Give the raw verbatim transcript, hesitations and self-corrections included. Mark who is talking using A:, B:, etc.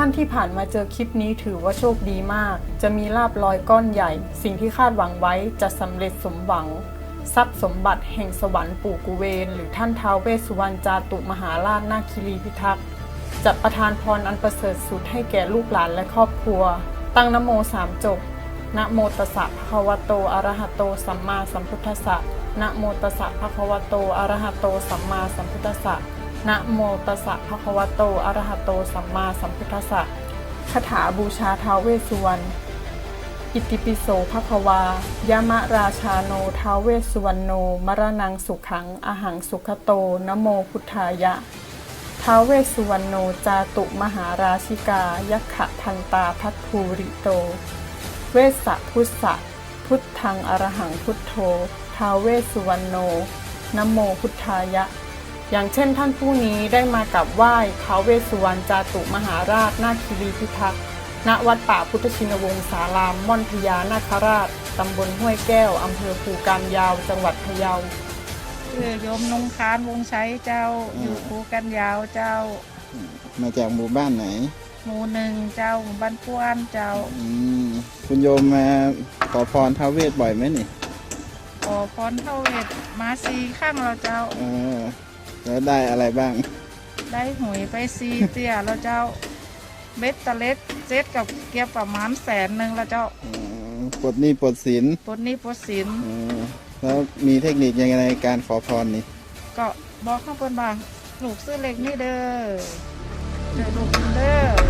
A: านที่ผ่านมาเจอคลิปนี้ถือว่าโชคดีมากจะมีลาภลอยก้อนใหญ่สิ่งที่คาดหวังไว้จะสำเร็จสมหวังทรัพย์สมบัติแห่งสวรรค์ปู่กุเวนหรือท่านท้าวเวสสุวรรณจาตุมหาราชนาคิรีพิทักษ์จะประทานพรอันประเสริฐสุดให้แก่ลูกหลานและครอบครัวตั้งนะโมสามจบนะโมตัสสะภะคะวะโตอะระหะโตสัมมาสัมพุทธัสสะนะโมตัสสะภะคะวะโตอะระหะโตสัมมาสัมพุทธัสสะนะโมตัสสะภะคะวะโตอะระหะโตสัมมาสัมพุทธัสสะคาถาบูชาท้าวเวสสุวรรณอิติปิโสภควายามะราชาโนท้าวเวสสุวรรณโนมรณังสุขังอหังสุขโตนะโมพุทธายะท้าวเวสสุวรรณโนจาตุมหาราชิกายัคขะทันตาพัทภูริโตเวสสะพุทธะพุทธังอรหังพุทโธท้าวเวสสุวรรณโนนะโมพุทธายะอย่างเช่นท่านผู้นี้ได้มากราบไหว้ท้าวเวสสุวรรณจาตุมหาราชนาคิรีพิทักษ์ณวัดป่าพุทธชินวงศารามม่อนพญานาคราชตำบลห้วยแก้วอำเภอภูกามยาวจังหวัดพะเยา
B: ชื่อโยมนงคานวงชัยเจ้าอยู่ภูกันยาวเจ้า
C: มาจากหมู่บ้านไหน
B: หมู่หนึ่งเจ้าหมู่บ้านป้วนเจ้า
C: อืมคุณโยมมาขอพรท้าวเวสบ่อยไหมนี่
B: ขอพรท้าวเวสมาซีข้างเราเจ้า
C: เออแล้วได้อะไรบ้าง
B: ได้หวยไปซีเตี้ยเราเจ้าเบ็ดตะเล็ดเจ็ดกับเกียบประมาณแสนหนึ่งเราเจ้า
C: ปลดหนี้ปลดสิน
B: ปลดหนี้ปลดสิน
C: แล้วมีเทคนิคยังไงในการขอพรนี่
B: ก็บอกข้างบนบางลูกซื้อเล็กนี่เด้อเด้อลูกเด้อ